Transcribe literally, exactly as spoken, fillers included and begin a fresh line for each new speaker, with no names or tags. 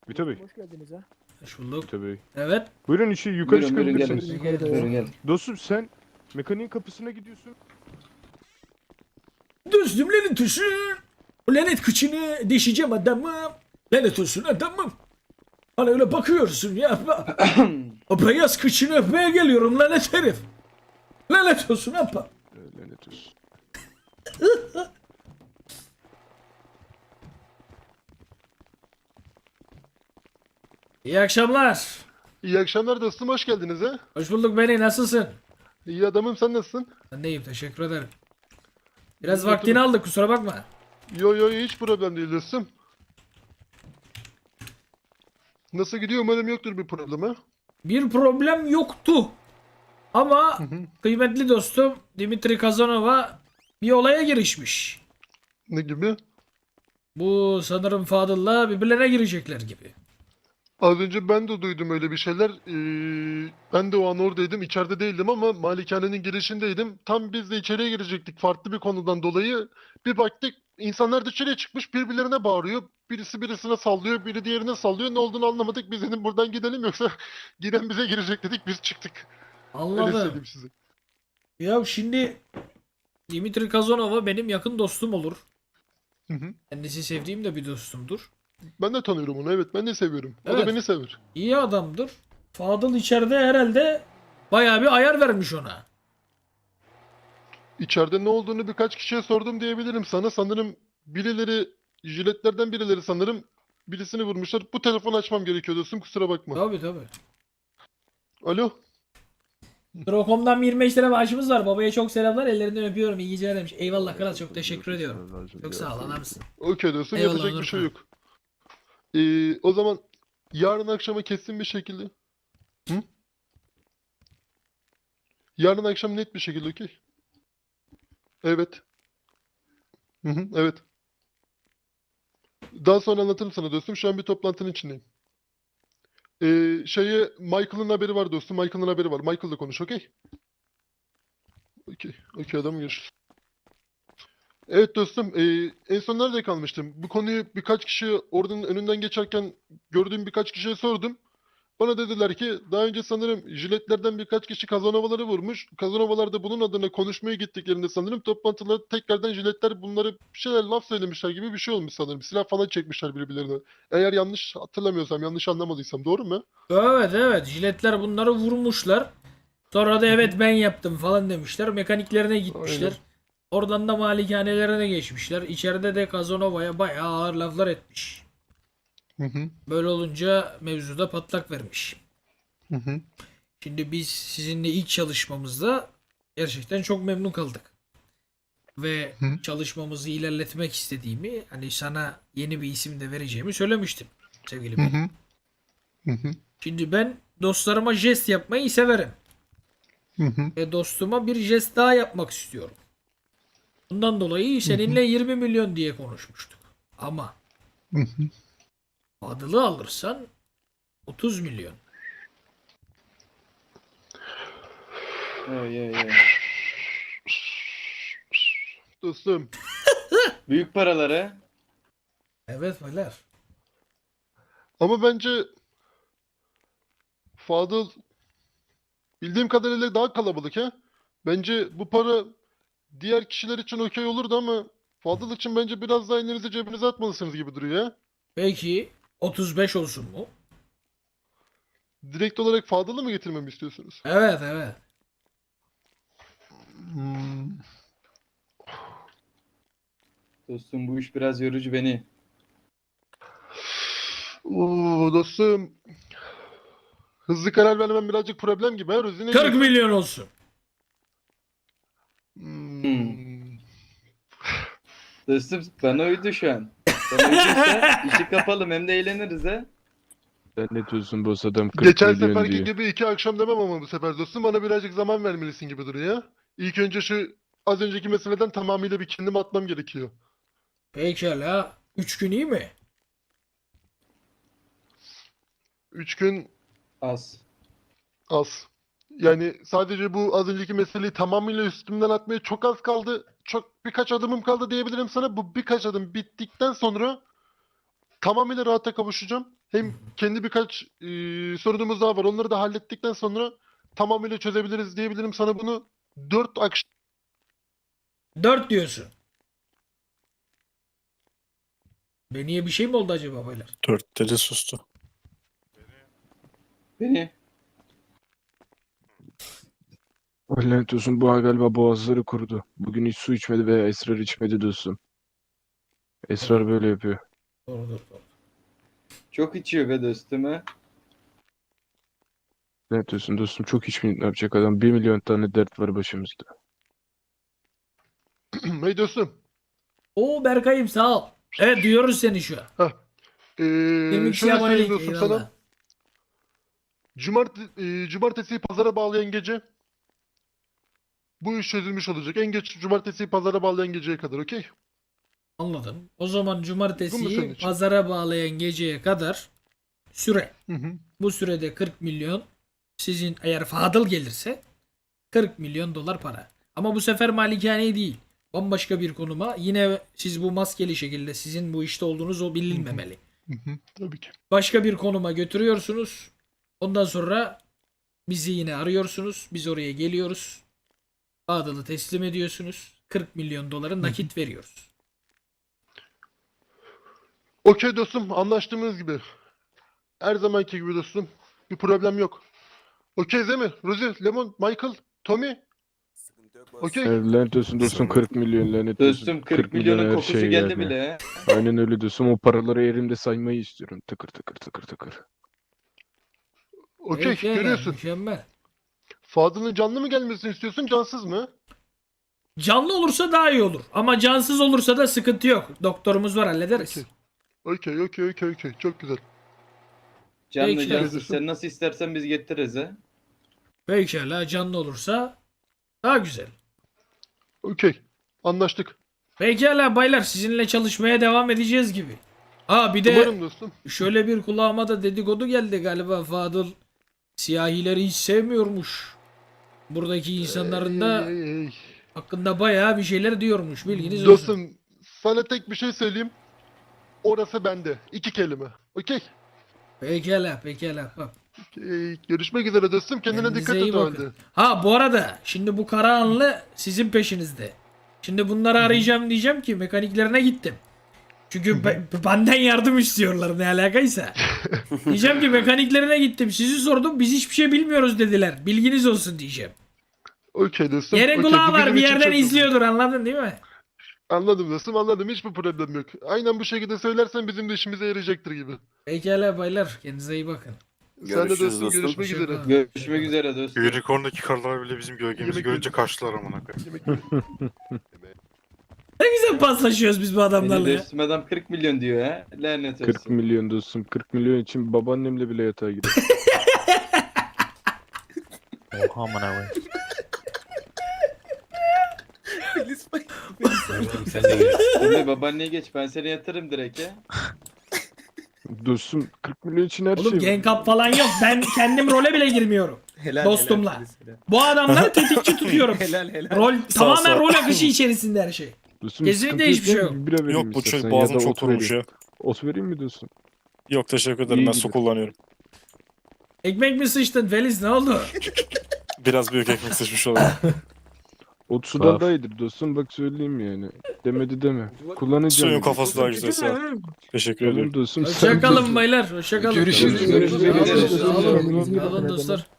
Vito Bey.
Hoş geldiniz ha.
Hoş bulduk.
Vito Bey.
Evet.
Buyurun içi yukarı
Buyurun, buyurun,
çıkabilirsiniz.
gelin.
Yukarı doğru.
Buyurun gel.
Dostum sen mekaniğin kapısına gidiyorsun.
Dostum lanet olsun. O lanet kıçını deşeceğim adamım. Lanet olsun adamım. Bana öyle bakıyorsun ya. O beyaz kıçını öpmeye geliyorum lanet herif. Lanet olsun apa.
Ee, Lanet olsun.
İyi akşamlar.
İyi akşamlar dostum, hoş geldiniz ha.
Hoş bulduk beni, nasılsın?
İyi adamım, sen nasılsın?
Ben de iyiyim, teşekkür ederim. Biraz
Oturun.
vaktini aldık, kusura bakma.
Yo yo hiç problem değil dostum. Nasıl gidiyor, umarım yoktur bir problem ha.
Bir problem yoktu. Ama kıymetli dostum Dimitri Kazanova bir olaya girişmiş.
Ne gibi?
Bu sanırım Fadıl'la birbirlerine girecekler gibi.
Az önce ben de duydum öyle bir şeyler. Ee, ben de o an oradaydım, içeride değildim ama malikanenin girişindeydim. Tam biz de içeriye girecektik farklı bir konudan dolayı. Bir baktık insanlar dışarıya çıkmış, birbirlerine bağırıyor. Birisi birisine sallıyor, biri diğerine sallıyor. Ne olduğunu anlamadık. Biz dedim buradan gidelim, yoksa giren bize girecek dedik, biz çıktık. Öyle
Anladım.
söyleyeyim size.
Ya şimdi Dimitri Kazanova benim yakın dostum olur.
Hı hı.
Kendisi sevdiğim de bir dostumdur. Ben
Ben de tanıyorum onu, evet, ben de seviyorum. O
Evet.
da beni sever.
İyi adamdır. Fadıl içeride herhalde bayağı bir ayar vermiş ona.
İçeride ne olduğunu birkaç kişiye sordum diyebilirim sana. Sanırım birileri, jiletlerden birileri sanırım birisini vurmuşlar. Bu telefonu açmam gerekiyor dostum, kusura bakma.
Tabii tabii.
Alo?
Drokom'dan yirmi beş lira maaşımız var. Babaya çok selamlar. Ellerinden öpüyorum. İyi geceler demiş. Eyvallah kral, çok teşekkür ediyorum. Çok sağ ol adamsın.
Okey dostum,
Eyvallah,
yapacak bir
Onur
şey
Bey.
yok. Ee, o zaman yarın akşama kesin bir şekilde... Hı? Yarın akşam net bir şekilde, okey? Evet. Hı hı, evet. Daha sonra anlatırım sana dostum. Şu an bir toplantının içindeyim. Ee, şeye Michael'ın haberi var dostum. Michael'ın haberi var. Michael'la konuş, okey? Okey. Okey adam, görüşürüz. Evet dostum. ee, en son nerede kalmıştım? Bu konuyu birkaç kişi oradan önünden geçerken gördüğüm birkaç kişiye sordum. Bana dediler ki daha önce sanırım jiletlerden birkaç kişi Kazanovaları vurmuş. Kazanovalar da bunun adına konuşmaya gittiklerinde sanırım toplantıda tekrardan jiletler bunları bir şeyler laf söylemişler gibi bir şey olmuş sanırım. Silah falan çekmişler birbirlerine. Eğer yanlış hatırlamıyorsam, yanlış anlamadıysam, doğru mu?
Evet evet. Jiletler bunları vurmuşlar. Sonra da evet ben yaptım falan demişler. Mekaniklerine gitmişler.
Aynen.
Oradan da malikanelerine geçmişler. İçeride de Kazanova'ya bayağı ağır laflar etmiş.
Hı hı.
Böyle olunca mevzuda patlak vermiş.
Hı hı.
Şimdi biz sizinle ilk çalışmamızda gerçekten çok memnun kaldık. Ve
Hı.
çalışmamızı ilerletmek istediğimi, hani sana yeni bir isim de vereceğimi söylemiştim sevgili
Hı
Bey.
hı. Hı hı.
Şimdi ben dostlarıma jest yapmayı severim.
Hı hı.
Ve dostuma bir jest daha yapmak istiyorum. Bundan dolayı seninle yirmi milyon diye konuşmuştuk. Ama
Hı hı.
Fadıl'ı alırsan otuz milyon.
Oy, oy, oy.
Dostum.
Büyük paraları.
Evet beyler.
Ama bence Fadıl bildiğim kadarıyla daha kalabalık ha. Bence bu para diğer kişiler için okey olurdu ama Fadıl için bence biraz daha elinizi cebinize atmalısınız gibi duruyor ya.
Peki otuz beş olsun mu?
Direkt olarak Fadıl'ı mı getirmemi istiyorsunuz?
Evet evet.
Hmm.
Dostum bu iş biraz yorucu beni.
Oo, dostum. Hızlı karar vermem birazcık problem gibi ha Ruzine.
kırk milyon olsun.
Hmm.
Dostum bana uydu şu an. Bana uyduysa işi kapalım hem de eğleniriz ha.
Lanet olsun boss adam kırk
Geçen
milyon
seferki
diyor.
gibi iki akşam demem ama bu sefer dostum bana birazcık zaman vermelisin gibi duruyor ya. İlk önce şu az önceki meseleden tamamıyla bir kendimi atmam gerekiyor.
Pekala. üç gün iyi mi?
Üç gün
Az.
az. Yani sadece bu az önceki meseleyi tamamıyla üstümden atmaya çok az kaldı. Çok birkaç adımım kaldı diyebilirim sana. Bu birkaç adım bittikten sonra tamamıyla rahata kavuşacağım. Hem kendi birkaç e, sorunumuz daha var. Onları da hallettikten sonra tamamıyla çözebiliriz diyebilirim sana bunu. Dört akşam
Dört diyorsun. Beniye bir şey mi oldu acaba beyler?
Dört dedi sustu.
Beni.
Lanet olsun, bu galiba boğazları kurudu. Bugün hiç su içmedi veya esrar içmedi dostum. Esrar böyle yapıyor.
Doğrudur. doğru.
Çok içiyor be dostum ha.
Lanet olsun dostum, çok içmeyip ne yapacak adam? Bir milyon tane dert var başımızda.
hey dostum.
Oo Berkay'ım sağ ol. Evet duyuyoruz seni şu an.
Ee,
Demin
şöyle
abonelik,
söyleyeyim dostum
eyvallah.
sana. Cumart e, cumartesiyi pazara bağlayan gece bu iş çözülmüş olacak. En geç cumartesiyi pazara bağlayan geceye kadar, okey?
Anladım. O zaman
Bu mu senin
cumartesiyi
için?
pazara bağlayan geceye kadar süre.
Hı hı.
Bu sürede kırk milyon sizin eğer Fadıl gelirse kırk milyon dolar para. Ama bu sefer malikane değil. Bambaşka bir konuma. Yine siz bu maskeli şekilde sizin bu işte olduğunuz o bilinmemeli.
Hı hı. Tabii ki.
Başka bir konuma götürüyorsunuz. Ondan sonra bizi yine arıyorsunuz. Biz oraya geliyoruz. Fadıl'ı teslim ediyorsunuz. kırk milyon doları nakit veriyoruz.
Okey dostum, anlaştığımız gibi. Her zamanki gibi dostum. Bir problem yok. Okey değil mi? Rosie, Lemon, Michael, Tommy. Okey.
Evet, lanet olsun dostum, kırk milyon lanet olsun.
Dostum kırk milyonun
her
kokusu
şey
geldi
yani.
bile ha.
Aynen öyle dostum, o paraları elimde saymayı istiyorum. Tıkır tıkır tıkır tıkır.
Okey,
Peki,
görüyorsun.
Mükemmel.
Fadıl'ın canlı mı gelmesini istiyorsun, cansız mı?
Canlı olursa daha iyi olur. Ama cansız olursa da sıkıntı yok. Doktorumuz var, hallederiz.
Okey. Okey, okey, okey, okey. Çok güzel.
Canlı
Peki.
cansız sen nasıl istersen biz getiririz ha.
Pekala, canlı olursa daha güzel.
Okey. Anlaştık.
Pekala baylar, sizinle çalışmaya devam edeceğiz gibi. Aa bir de
Umarım dostum.
şöyle bir kulağıma da dedikodu geldi galiba. Fadıl siyahileri hiç sevmiyormuş. Buradaki insanların da
Ey, ey, ey.
hakkında bayağı bir şeyler diyormuş. Bilginiz olsun.
Dostum, sana tek bir şey söyleyeyim. Orası bende. İki kelime. Okey.
Pekala pekala. Bak.
Okey. Görüşmek üzere dostum. Kendine
Kendinize
dikkat
iyi
et o
bakın.
halde.
Ha bu arada şimdi bu Karahanlı sizin peşinizde. Şimdi bunları arayacağım, diyeceğim ki mekaniklerine gittim. Çünkü be- benden yardım istiyorlar, ne alakaysa. Diyeceğim ki mekaniklerine gittim. Sizi sordum, biz hiçbir şey bilmiyoruz dediler. Bilginiz olsun diyeceğim.
Okey dostum.
Yerin
okey.
kulağı
Bu
var,
bizim
bir
için
yerden
çok-
izliyordur, anladın değil mi?
Anladım dostum, anladım. Hiçbir problem yok. Aynen bu şekilde söylersen bizim de işimize yarayacaktır gibi.
Pekala baylar, kendinize iyi bakın.
Sen de
Görüşürüz
dostum,
dostum.
görüşmek üzere.
Hoşçakalın.
Görüşmek üzere dostum.
Unicorn'daki karlar bile bizim gölgemizi
Yemek
görünce
yedim.
kaçtılar amına koyayım.
Yemek yiyelim.
Ne güzel paslaşıyoruz biz bu adamlarla
Beni
ya.
dostum adam kırk milyon diyor ha. Lanet
kırk
olsun.
milyon dostum, kırk milyon için babaannemle bile yatağa girer.
Oha amına koyayım. Sen de gel.
Şimdi babaanneye geç ben seni yatırım direkt ya.
Dostum, kırk milyon için her
Oğlum
şey var.
gang up falan yok. Ben kendim role bile girmiyorum.
Helal,
Dostumla.
helal, helal.
Bu adamları tetikçi tutuyorum.
Helal helal.
Rol
Sağ
tamamen
sağ.
rol akışı içerisinde her şey.
Dostum,
Kesinlikle
sıkıntı
hiçbir şey
yok.
yok.
Bira vereyim
Yok bu
istersen
çocuk
ya
boğazım
da
çok
ot
kurumuş
vereyim.
ya.
Ot vereyim mi dostum?
Yok teşekkür ederim,
İyi
ben
gidiyor.
su kullanıyorum.
Ekmek mi sıçtın Feliz, ne oldu?
Biraz büyük ekmek sıçmış olabilir.
Ot sudan
Bak.
daha iyidir dostum, bak söyleyeyim yani. Demedi deme. Kullanacağım.
Suyun kafası daha güzel sağ ol. Teşekkür
Tamam
ediyorum.
dostum. sen
Hoşçakalın
dostum.
baylar. Hoşçakalın.
Görüşürüz,
Sağ olun,
görüşürüz.
Sağ olun,
Görüşürüz.
sağ olun dostlar.